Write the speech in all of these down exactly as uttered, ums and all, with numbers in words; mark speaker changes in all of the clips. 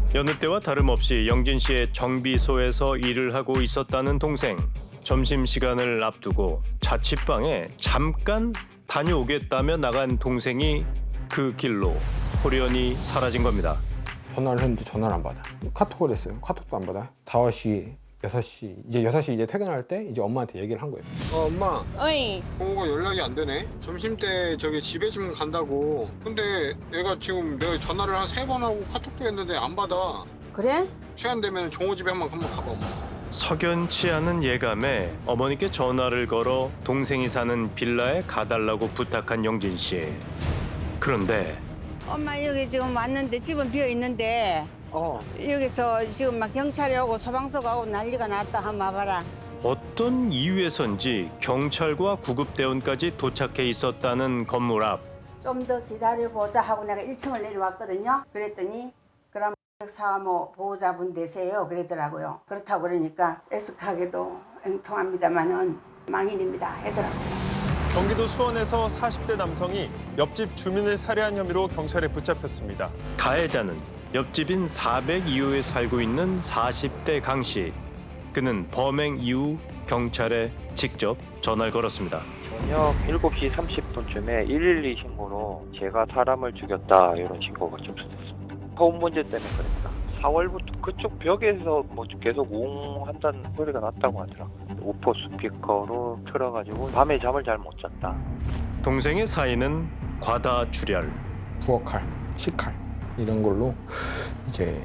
Speaker 1: 여느 때와 다름없이 영진 씨의 정비소에서 일을 하고 있었다는 동생. 점심시간을 앞두고 자취방에 잠깐 다녀오겠다며 나간 동생이 그 길로 호련히 사라진 겁니다.
Speaker 2: 전화를 했는데 전화를 안 받아. 카톡을 했어요. 카톡도 안 받아. 다섯 시, 여섯 시, 이제 여섯 시 이제 퇴근할 때 이제 엄마한테 얘기를 한 거예요.
Speaker 3: 어, 엄마.
Speaker 4: 어이.
Speaker 3: 동호가 연락이 안 되네. 점심 때 저기 집에 좀 간다고. 근데 얘가 지금 내가 전화를 한 세 번 하고 카톡도 했는데 안 받아.
Speaker 4: 그래?
Speaker 3: 시간 되면 종호 집에 한번 한번 가봐, 엄마.
Speaker 1: 석연치 않은 예감에 어머니께 전화를 걸어 동생이 사는 빌라에 가달라고 부탁한 영진 씨. 그런데
Speaker 4: 엄마 여기 지금 왔는데 집은 비어 있는데
Speaker 3: 어.
Speaker 4: 여기서 지금 막 경찰이 오고 소방서가 오고 난리가 났다. 한번 와봐라.
Speaker 1: 어떤 이유에선지 경찰과 구급대원까지 도착해 있었다는 건물 앞.
Speaker 5: 좀 더 기다려보자 하고 내가 일 층을 내려왔거든요. 그랬더니 그럼 사모 보호자분 되세요 그러더라고요. 그렇다고 그러니까 애석하게도 앵통합니다만은 망인입니다 하더라고요.
Speaker 6: 경기도 수원에서 사십 대 남성이 옆집 주민을 살해한 혐의로 경찰에 붙잡혔습니다.
Speaker 1: 가해자는 옆집인 사백이 호에 살고 있는 사십 대 강 씨. 그는 범행 이후 경찰에 직접 전화를 걸었습니다.
Speaker 7: 저녁 일곱 시 삼십 분쯤에 일일이 신고로 제가 사람을 죽였다 이런 신고가 접수됐습니다. 소음 문제 때문에 그랬다. 사월부터 그쪽 벽에서 뭐 계속 웅한다는 소리가 났다고 하더라고요. 우퍼 스피커로 틀어가지고 밤에 잠을 잘 못 잤다.
Speaker 1: 동생의 사인은 과다출혈.
Speaker 2: 부엌칼, 식칼 이런 걸로 이제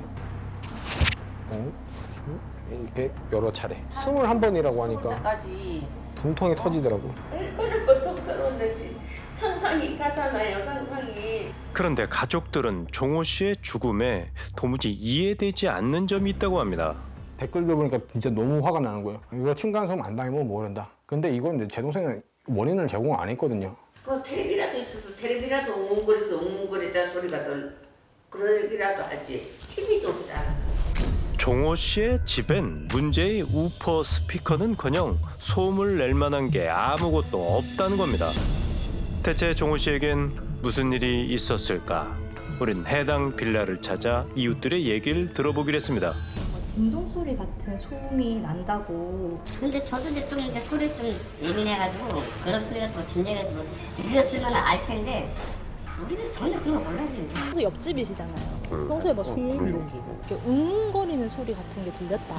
Speaker 2: 어? 이렇게 여러 차례 스물한 번이라고 하니까
Speaker 5: 까지
Speaker 2: 분통이 터지더라고.
Speaker 8: 얼마나 고통스러웠는지 상상이 가잖아요, 상상이.
Speaker 1: 그런데 가족들은 종호 씨의 죽음에 도무지 이해되지 않는 점이 있다고 합니다.
Speaker 2: 댓글들 보니까 진짜 너무 화가 나는 거예요. 이거 층간소음 안 당하면 모른다. 근데 이건 제 동생은 원인을 제공 안 했거든요.
Speaker 8: 뭐 텔레비라도 있어서 텔레비라도 웅웅거려서 웅웅거리다 소리가 덜 그러기라도 하지. 티비도 없잖아.
Speaker 1: 종호 씨의 집엔 문제의 우퍼 스피커는커녕 소음을 낼 만한 게 아무것도 없다는 겁니다. 대체 종호 씨에겐 무슨 일이 있었을까? 우린 해당 빌라를 찾아 이웃들의 얘기를 들어보기로 했습니다.
Speaker 9: 진동 소리 같은 소음이 난다고.
Speaker 10: 근데 저도 이제 좀 이렇게 소리 좀 예민해가지고 그런 소리가 뭐 진작에 뭐 들렸으면 알 텐데 우리는 전혀 그런 거 몰라지.
Speaker 9: 또 옆집이시잖아요. 평소에 뭐 소음 이렇게 웅웅거리는 소리 같은 게 들렸다.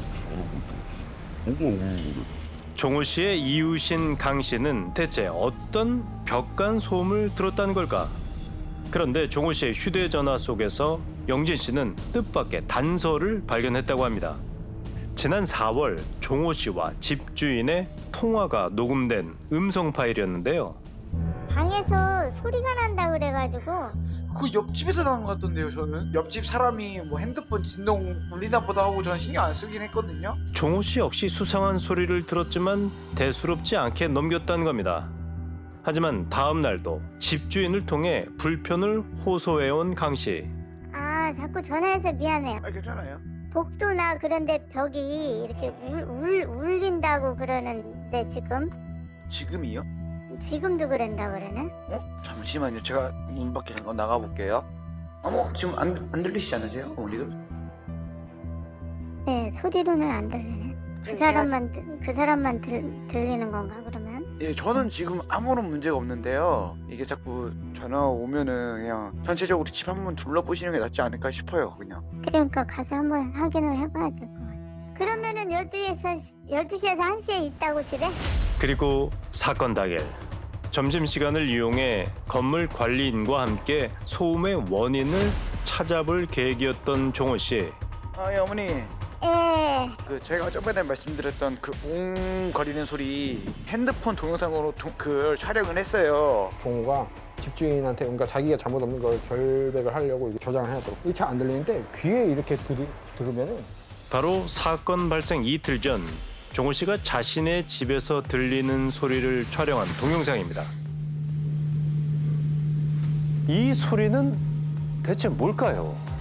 Speaker 1: 종호 씨의 이웃인 강 씨는 대체 어떤 벽간 소음을 들었다는 걸까? 그런데 종호 씨의 휴대전화 속에서 영진 씨는 뜻밖의 단서를 발견했다고 합니다. 지난 사월 종호 씨와 집주인의 통화가 녹음된 음성 파일이었는데요.
Speaker 11: 방에서 소리가 난다 그래가지고
Speaker 12: 그 옆집에서 나온 것 같던데요. 저는 옆집 사람이 뭐 핸드폰 진동 울리나 보다 하고 저는 신경 안 쓰긴 했거든요.
Speaker 1: 종호 씨 역시 수상한 소리를 들었지만 대수롭지 않게 넘겼다는 겁니다. 하지만 다음 날도 집주인을 통해 불편을 호소해온 강 씨.
Speaker 11: 아 자꾸 전화해서 미안해요.
Speaker 12: 아 괜찮아요.
Speaker 11: 복도나 그런데 벽이 이렇게 울, 울, 울린다고 그러는데 지금
Speaker 12: 지금이요?
Speaker 11: 지금도 그런다 그러네.
Speaker 12: 어? 잠시만요. 제가 문 밖에 잠깐 나가볼게요. 어머 지금 안, 안 들리시지 않으세요? 어머니도?
Speaker 11: 네 소리로는 안 들리네. 그 사람만 들- 그 사람만 들, 들리는 건가 그러면?
Speaker 12: 예, 저는 지금 아무런 문제가 없는데요. 이게 자꾸 전화 오면은 그냥 전체적으로 집 한번 둘러보시는 게 낫지 않을까 싶어요. 그냥.
Speaker 11: 그러니까 가서 한번 확인을 해봐야 될 것 같아. 그러면은 열두 시에서 열두 시에서 한 시에 있다고 집에?
Speaker 1: 그리고 사건 당일 점심시간을 이용해 건물 관리인과 함께 소음의 원인을 찾아볼 계획이었던 종호 씨.
Speaker 12: 아, 예, 어머니.
Speaker 11: 예.
Speaker 12: 그 제가 저번에 말씀드렸던 그 웅 거리는 소리 핸드폰 동영상으로 도, 그걸 촬영을 했어요.
Speaker 2: 종호가 집주인한테 그러니까 자기가 잘못 없는 걸 결백을 하려고 이렇게 저장을 해놨더라고. 일 차 안 들리는데 귀에 이렇게 들이, 들으면은
Speaker 1: 바로 사건 발생 이틀 전 종호 씨가 자신의 집에서 들리는 소리를 촬영한 동영상입니다. 이 소리는 대체 뭘까요?